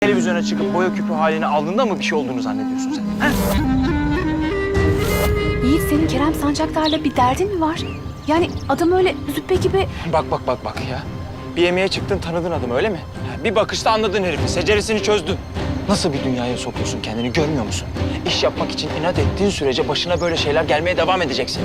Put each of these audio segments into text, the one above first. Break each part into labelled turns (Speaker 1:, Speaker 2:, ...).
Speaker 1: Televizyona çıkıp boya küpü halini aldığında mı bir şey olduğunu zannediyorsun sen? He?
Speaker 2: Yiğit, senin Kerem Sancaktar'la bir derdin mi var? Yani adam öyle züppe gibi...
Speaker 1: Bak ya. Bir yemeğe çıktın, tanıdın adamı öyle mi? Bir bakışta anladın herifi, seceresini çözdün. Nasıl bir dünyaya sokuyorsun kendini, görmüyor musun? İş yapmak için inat ettiğin sürece başına böyle şeyler gelmeye devam edeceksin.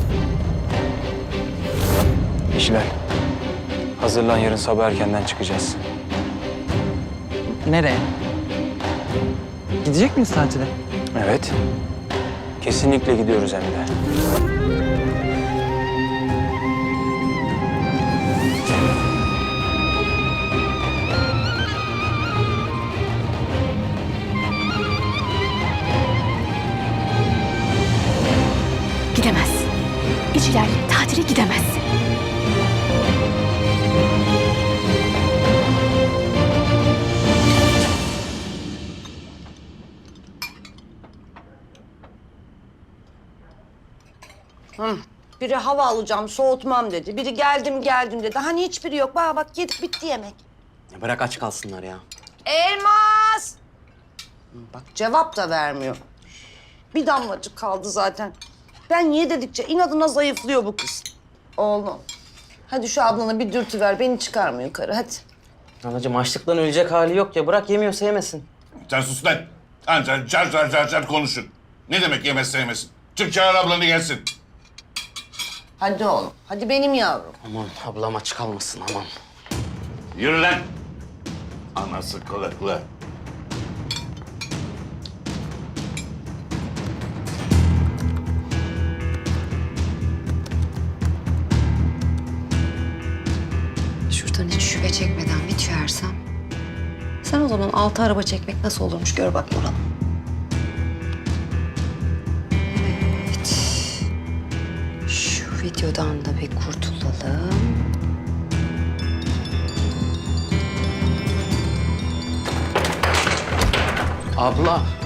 Speaker 1: İşler. Hazırlan, yarın sabah erkenden çıkacağız.
Speaker 3: Nereye? Gidecek miyiz tatile?
Speaker 1: Evet. Kesinlikle gidiyoruz hem de.
Speaker 2: Gidemezsin. İçilerle tatile gidemezsin.
Speaker 4: Biri hava alacağım, soğutmam dedi. Biri geldim dedi. Hani hiçbiri yok. Bak yedik bitti yemek.
Speaker 3: Ya bırak aç kalsınlar ya.
Speaker 4: Elmas! Bak cevap da vermiyor. Bir damlacık kaldı zaten. Ben ye dedikçe inadına zayıflıyor bu kız. Oğlum, hadi şu ablana bir dürtü ver. Beni çıkarma yukarı hadi.
Speaker 3: Anacığım açlıktan ölecek hali yok ya. Bırak yemiyorsa yemesin.
Speaker 5: Sen sus lan. Anca car konuşun. Ne demek yemez sevmesin? Çık çağır ablanı gelsin.
Speaker 4: Hadi oğlum, hadi benim yavrum.
Speaker 3: Aman ablam aç kalmasın aman.
Speaker 5: Yürü lan. Anası kılıklı.
Speaker 6: Şuradan hiç şüphe çekmeden bir tüyersem... Sen o zaman 6 araba çekmek nasıl olurmuş gör bak Nurhan. Evet. Şu videodan da bir kurtulalım.
Speaker 3: Abla